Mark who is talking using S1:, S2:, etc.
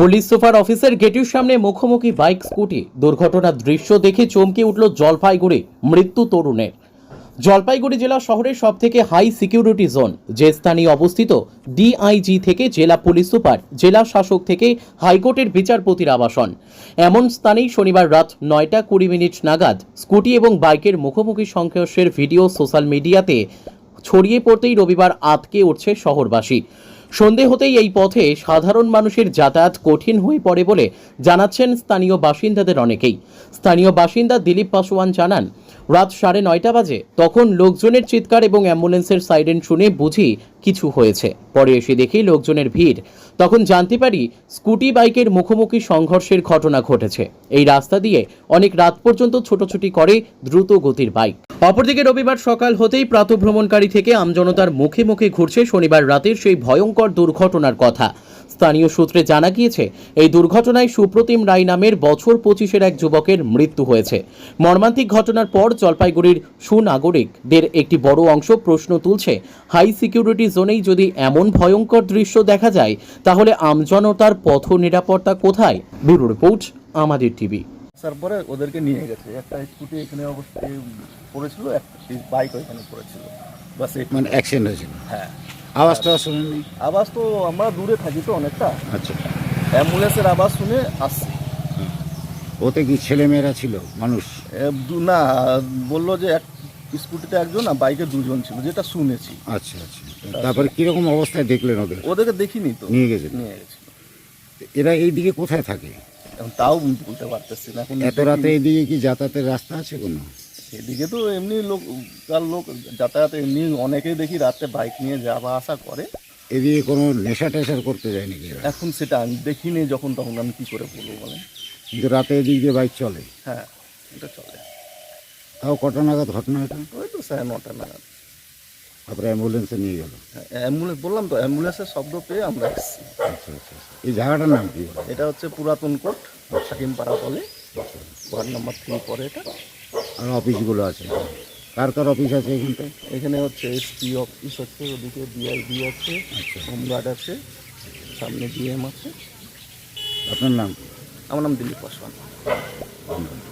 S1: Police super অফিসের গেটের সামনে মুখোমুখি বাইক স্কুটি দুর্ঘটনার দৃশ্য দেখে চমকে উঠল জলপাইগুড়ি মৃত্যু তরুণের। জলপাইগুড়ি জেলা শহরের সবথেকে হাই সিকিউরিটি জোন, যে স্থানে অবস্থিত ডিআইজি থেকে জেলা পুলিশ সুপার, জেলা শাসক থেকে হাইকোর্টের বিচারপতির আবাসন, এমন স্থানেই শনিবার রাত 9:20 নাগাদ স্কুটি এবং বাইকের মুখোমুখি সংঘর্ষের ভিডিও সোশ্যাল মিডিয়াতে ছড়িয়ে পড়তেই রবিবার আঁতকে উঠছে শহরবাসী। সন্ধে হতেই এই পথে সাধারণ মানুষের যাতায়াত কঠিন হয়ে পড়ে বলে জানাচ্ছেন স্থানীয় বাসিন্দাদের অনেকেই। স্থানীয় বাসিন্দা দিলীপ পাসওয়ান জানান, রাত 9:30 বাজে, তখন লোকজনের চিৎকার এবং অ্যাম্বুলেন্সের সাইরেন শুনে বুঝি কিছু হয়েছে। পরে এসে দেখি লোকজনের ভিড়, তখন জানতে পারি স্কুটি বাইকের মুখোমুখি সংঘর্ষের ঘটনা ঘটেছে। এই রাস্তা দিয়ে অনেক রাত পর্যন্ত ছোটাছুটি করে দ্রুত গতির বাইক। অপরদিকে রবিবার সকাল হতেই প্রাতঃভ্রমণকারী থেকে আমজনতার মুখে মুখে ঘুরছে শনিবার রাতের সেই ভয়ঙ্কর দুর্ঘটনার কথা। স্থানীয় সূত্রে জানা গিয়েছে, এই দুর্ঘটনায় সুপ্রতিম রায় নামের বছর 25-এর এক যুবকের মৃত্যু হয়েছে। মর্মান্তিক ঘটনার পর জলপাইগুড়ির সুনাগরিকদের একটি বড় অংশ প্রশ্ন তুলছে, হাই সিকিউরিটি জোনেই যদি এমন ভয়ঙ্কর দৃশ্য দেখা যায়, তাহলে আমজনতার পথ নিরাপত্তা কোথায়? ব্যুরো রিপোর্ট, আমাদের টিভি।
S2: তারপরে ওদেরকে নিয়ে গেছে, একটা স্কুটি এখানে অবশ্যই পড়েছিল, একটা বাইক ওইখানে পড়েছিল, বাস এই
S3: মানে অ্যাক্সিডেন্ট হয়েছিল।
S2: হ্যাঁ,
S3: আওয়াজটা শুনেনি?
S2: আওয়াজ তো আমরা দূরে থাকি তো অনেকটা,
S3: আচ্ছা,
S2: অ্যাম্বুলেন্সের আওয়াজ শুনে আসছি।
S3: ওতে কি ছেলেমেয়েরা ছিল, মানুষ?
S2: না, বললো যে এক স্কুটিতে একজন আর বাইকে দুজন ছিল, যেটা শুনেছি।
S3: আচ্ছা আচ্ছা, তারপরে কিরকম অবস্থায় দেখলেন ওদের?
S2: ওদেরকে দেখিনি তো,
S3: নিয়ে গেছে।
S2: নিয়ে গেছিল।
S3: এরা এইদিকে কোথায় থাকে?
S2: এখন তাও বলতে পারতেছি না এখন।
S3: এত রাতে এইদিকে কি যাতায়াতের রাস্তা আছে কোনো?
S2: এদিকে তো এমনি লোক যাতায়াত এমনি অনেকেই দেখি রাতে বাইক নিয়ে যাওয়া আসা করে।
S3: এদিকে কোনো নেশা টেশার করতে যায় নাকি এরা?
S2: এখন সেটা আমি দেখিনি, যখন তখন আমি কি করে বলবো বলেন।
S3: কিন্তু রাতে এদিক দিয়ে বাইক চলে?
S2: হ্যাঁ, এটা চলে।
S3: তাও কটা নাগাদ ঘটনা এটা?
S2: ওই তো 9:30 নাগাদ।
S3: তারপরে অ্যাম্বুলেন্সে নিয়ে গেল?
S2: হ্যাঁ, অ্যাম্বুলেন্স বললাম তো, অ্যাম্বুলেন্সের শব্দ পেয়ে আমরা এসেছি।
S3: আচ্ছা আচ্ছা, এই জায়গাটার নাম কি?
S2: এটা হচ্ছে পুরাতন কোর্ট, হাকিমপাড়া বলে, ওয়ার্ড নাম্বার 3 পরে এটা।
S3: আর অফিসগুলো আছে? কার কার অফিস আছে এখানটায়?
S2: এখানে হচ্ছে এসপি অফিস আছে, ওদিকে ডিআইবি আছে,
S3: আচ্ছা,
S2: হোমগার্ড আছে, সামনে ডিএম আছে।
S3: আপনার নাম কি?
S2: আমার নাম দিলীপ পাসওয়ান।